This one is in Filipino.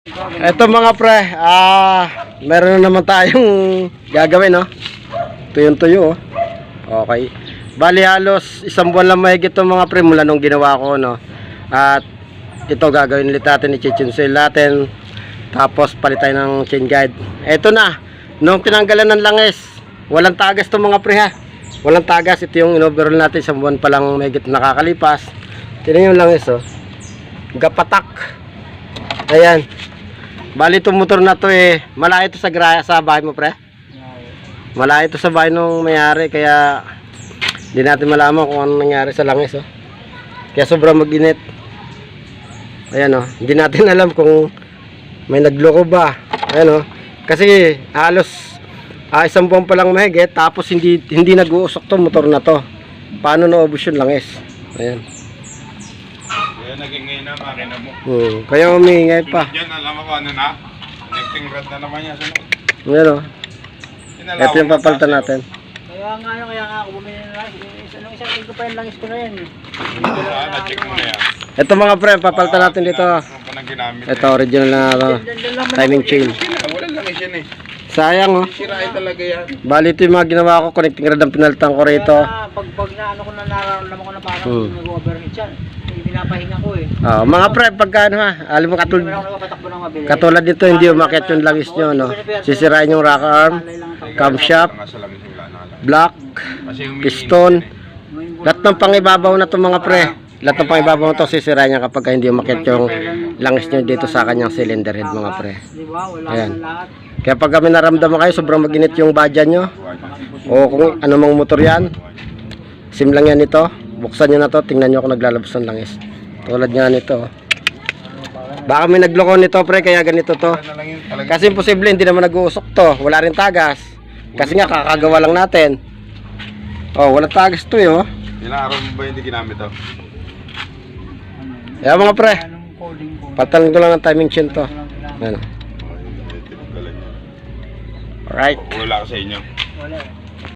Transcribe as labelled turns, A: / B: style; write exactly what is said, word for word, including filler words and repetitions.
A: Ito mga pre, ah, meron na naman tayong gagawin, no? Tuyong-tuyo, oh. Okay. Bali halos isang buwan lang mahigit itong mga pre mula nung ginawa ko, no? At ito gagawin ulit natin, i-chain natin. Tapos palit tayo ng chain guide. Ito na, nung tinanggalan ng langis, walang tagas itong mga pre ha. Walang tagas, ito yung in-overall natin, isang buwan pa lang mahigit nakakalipas. Tignan yung langis, oh. Gapatak. Ayan. Bali itong motor na to eh, malayo ito sa, sa bahay mo pre. Malayo ito sa bahay nung mayari, kaya hindi natin malaman kung ano nangyari sa langis, oh. Kaya sobrang mag-init. Ayan, oh. Hindi natin alam kung may nagloko ba. Ayan, oh. Kasi halos ah, isang buwan pa lang mahigit, tapos hindi hindi nag-uusok to motor na to. Paano naubos yung langis? Ayan.
B: Kaya nag-ingay na makina mo.
A: Hmm, kaya umiingay pa.
B: Yan, alam mo ano na? Connecting rod na naman yan.
A: Ayan, oh. Ito yung papalitan natin.
C: Kaya nga yun, kaya nga ako bumili na lang. Anong isang tingko pa yung langis ko na yan.
B: Na-check mo na yan.
A: Ito mga pre, papalitan natin dito. Ito original na uh, timing chain.
B: Wala lang yan eh.
A: Sayang, oh.
B: Sirain talaga yan.
A: Bali ito yung mga ginawa ko, connecting rod ang pinalitan ko rito.
C: Kaya pag, pag na ano ko na nararamdaman ko na parang
A: Hmm.
C: nag-overheat yan. Hindi pinapahinga ko eh.
A: Ah, mga pre, pagka ano ha, alam mo katul
C: Hindi naman ako nakapatakbo ng mabilis.
A: katulad dito, hindi umakit yung langis nyo, no? Sisirain yung rocker arm, camshaft, block, piston, lahat ng pangibabaw na to mga pre. Lahat ng pangibabaw na to sisirain niya kapag hindi umakit yung langis nyo dito sa kanyang cylinder head mga pre.
C: Di ba? Wala
A: Ayan.
C: na lahat.
A: Kaya pag kami naramdaman kayo, sobrang maginit yung badyan nyo, o kung anumang motor yan, sim lang yan ito, buksan nyo na to, tingnan nyo kung naglalabas ng langis. Tulad nga nito. Baka may nagloko nito pre, kaya ganito to. Kasi imposible, hindi naman nag-uusok to, wala rin tagas. Kasi nga kakagawa lang natin. Oh, wala tagas to eh, oh.
B: Ilang araw mo ba hindi ginamit to?
A: Kaya mga pre,
C: Anong coding ko?
A: patalan ko lang ng timing chain to. Ano. Alright.
B: Wala ka sa inyo.
C: Wala eh.